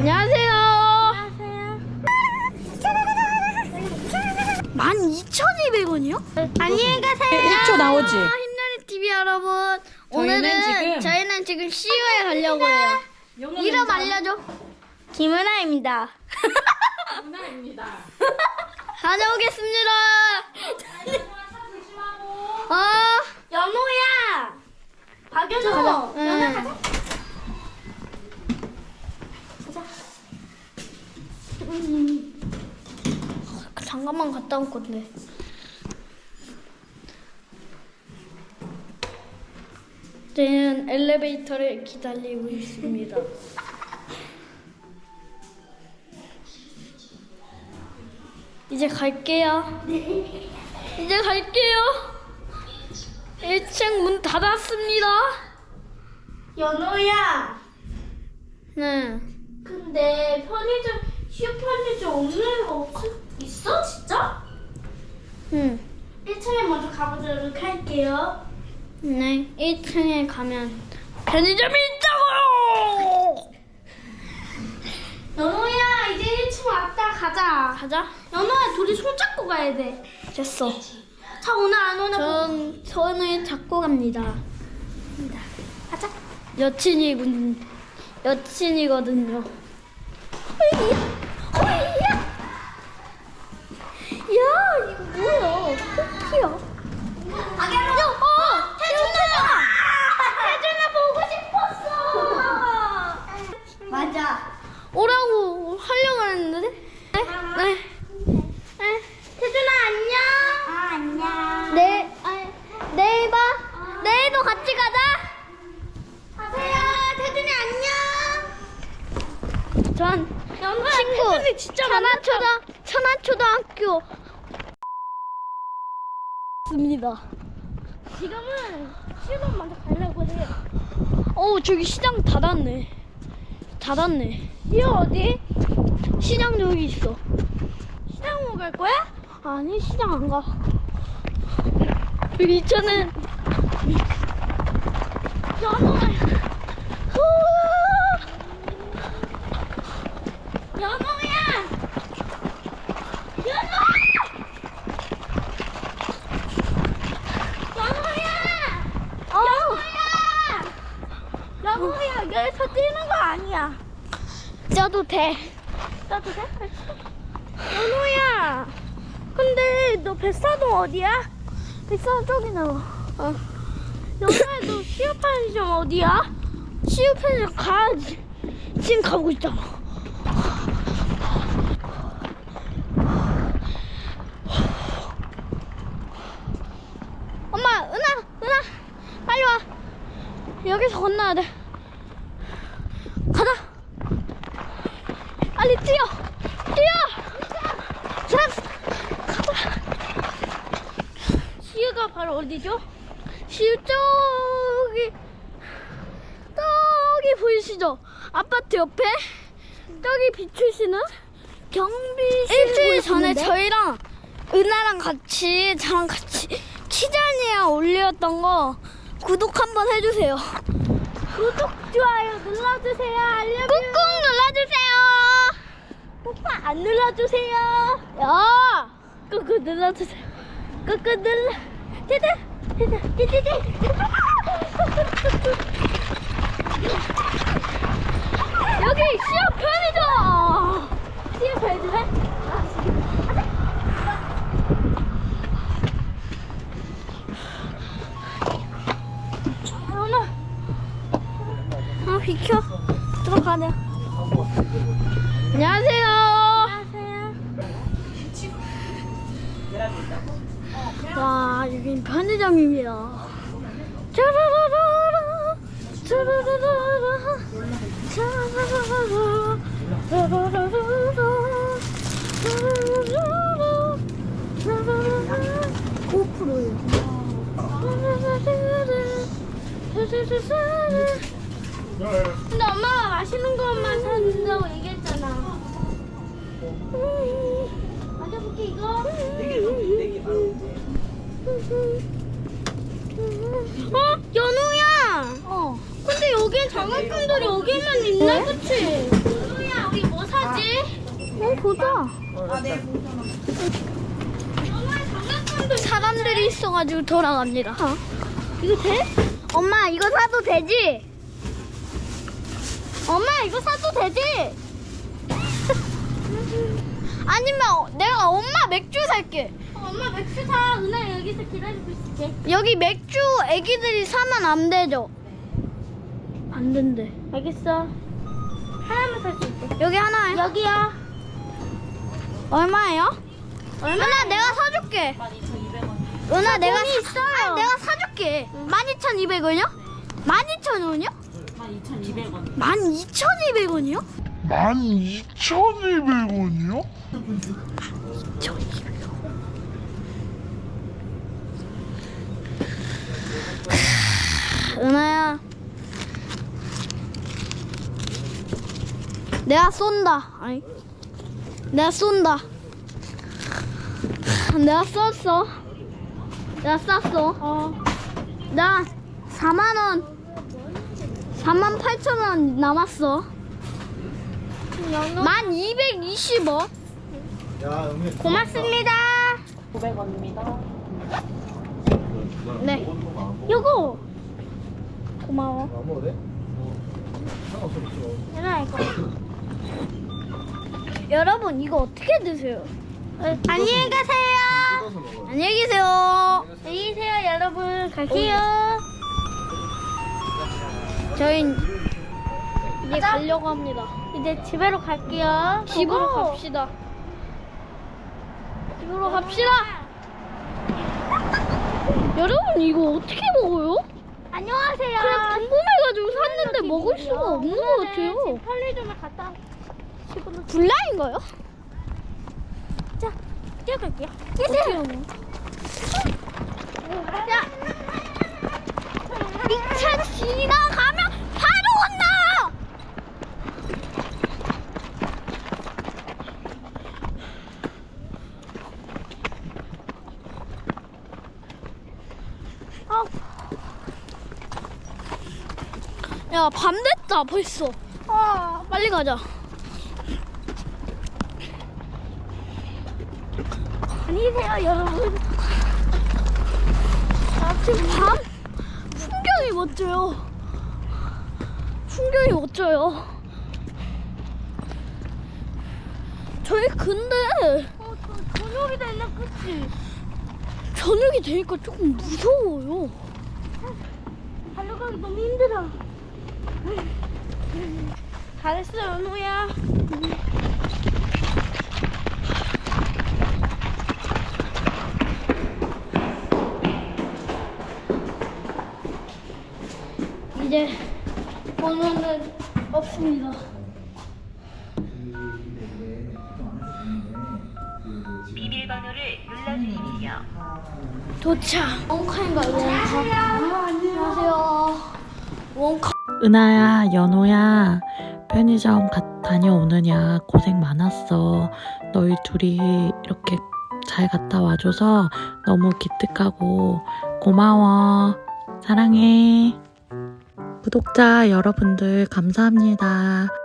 안녕하세요. 12,200원이요? 안녕히 가세요. 1초 나오지? 힘나는 TV 여러분. 오늘은 저희는 지금 CU에 가려고 해요. 이름 알려줘. 김은아입니다. 김은아입니다. 다녀오겠습니다. 연호야. 박연호. 연호 가자. 잠깐만 갔다 올 건데. 저는 엘리베이터를 기다리고 있습니다. 이제 갈게요. 이제 갈게요. 1층 문 닫았습니다. 연호야, 네. 근데 편의점, 슈퍼편의점 없는 거 있어? 진짜? 응. 1층에 먼저 가보도록 할게요. 네. 1층에 가면 편의점이 있다고요. 연호야, 이제 1층 왔다 가자. 가자. 연호야, 둘이 손잡고 가야 돼. 됐어. 자, 오늘 안 오나? 전 손을 잡고 갑니다. 가자. 여친이거든요. 야, 이거 뭐야? 토끼야. 박연호! 태준아 보고 싶었어! 맞아. 오라고 하려고 했는데? 네. 태준아, 안녕! 안녕. 내일 봐. 내일도 같이 가자. 가세요. 태준이 안녕! 전 연호야, 친구 태준이 진짜 천안초등학교 입니다. 지금은 시동 먼저 가려고 해. 저기 시장 닫았네. 이거 어디? 시장 여기 있어. 시장 보고 갈 거야? 아니, 시장 안 가. 여기 있잖아. 연호야! 연호야! 연호야, 여기서 뛰는 거 아니야. 쪄도 돼. 나도 돼? 연호야, 근데 너 뱃사동 어디야? 뱃살 저기 나와. 연호야, 너 시어 편의점 어디야? 시우편에 가야지. 지금 가고 있잖아. 엄마, 은하, 빨리 와. 여기서 건너야 돼. 가자. 빨리 뛰어. 잘했어. 가자. 시어가 바로 어디죠? 시우 저기 보이시죠? 아파트 옆에 저기 비추시는 경비실. 일주일 전에 저희랑 은하랑 같이 저랑 같이 키자니아 올렸던 거 구독 한번 해주세요. 구독, 좋아요 눌러주세요. 꾹꾹 눌러주세요. 오빠 안 눌러주세요. 야, 꾹꾹 눌러주세요. 꾹꾹 눌러. 띠띠. 여기 시합 편의점. 시어 편의점에? 비켜. 들어가네. 안녕하세요. 와, 여긴 편의점입니다. 짜라라라라, 짜라라라라, 짜라라라라, 짜라라라라, 짜라라라라, 짜라라라라. 고프로요. 근데 엄마가 맛있는 것만 사준다고 얘기했잖아. 맞아볼게 이거. 연우야. 근데 여기 장학금들이 여기만 있네, 그치? 연우야, 우리 보자. 사람들이 있어가지고 돌아갑니다. 이거 돼? 엄마 이거 사도 되지? 엄마 이거 사도 되지? 아니면 내가 엄마 맥주 살게. 엄마 맥주 사. 은하 여기서 기다리고 있을게. 여기 맥주 애기들이 사면 안 되죠? 안 된대. 알겠어. 하나만 살 수 있대. 여기 하나에 여기야. 얼마예요? 은하 내가 사줄게. 12,200원. 은하 내가 돈이 있어요. 아니, 내가 사줄게. 12,200원이요? 12,000원이요? 12,200원. 12,200원이요? 12,200원이요? 은하야 내가 쏜다. 아니 내가 쏜다. 내가 쐈어. 내가 쐈어. 나 4만원 48,000원 남았어. 1220원. 고맙습니다. 900원입니다. 네 요거. 고마워. 안 먹어도 돼? 상관없어. 은하 이거. 여러분 이거 어떻게 드세요? 안녕히 가세요. 뜯어서 먹어요. 안녕히 계세요. 안녕히 계세요, 여러분. 갈게요. 저희 이제 가려고 합니다. 이제 집으로 갈게요. 집으로 고고. 갑시다. 집으로 갑시다. 여러분 이거 어떻게 먹어요? 안녕하세요. 그냥 궁금해가지고 샀는데 먹을 수가 없는 것 같아요. 지금 편의점에 갔다 집으로 불량인가요? 뛰어갈게요. 어때요? 자, 이 차 지나가면 바로 온다. 야, 밤 됐다 벌써. 빨리 가자. 안녕히 계세요, 여러분. 지금 밤 풍경이 멋져요. 풍경이 멋져요. 저희 근데 저녁이 되나 그치? 저녁이 되니까 조금 무서워요. 달려가기 너무 힘들어. 잘했어, 연우야. 이제 번호는 없습니다. 비밀번호를 눌러주십시오. 도착. 원카인가요? 원카. 안녕하세요. 원카. 은하야, 연호야, 편의점 다녀오느냐 고생 많았어. 너희 둘이 이렇게 잘 갔다 와줘서 너무 기특하고 고마워. 사랑해. 구독자 여러분들 감사합니다.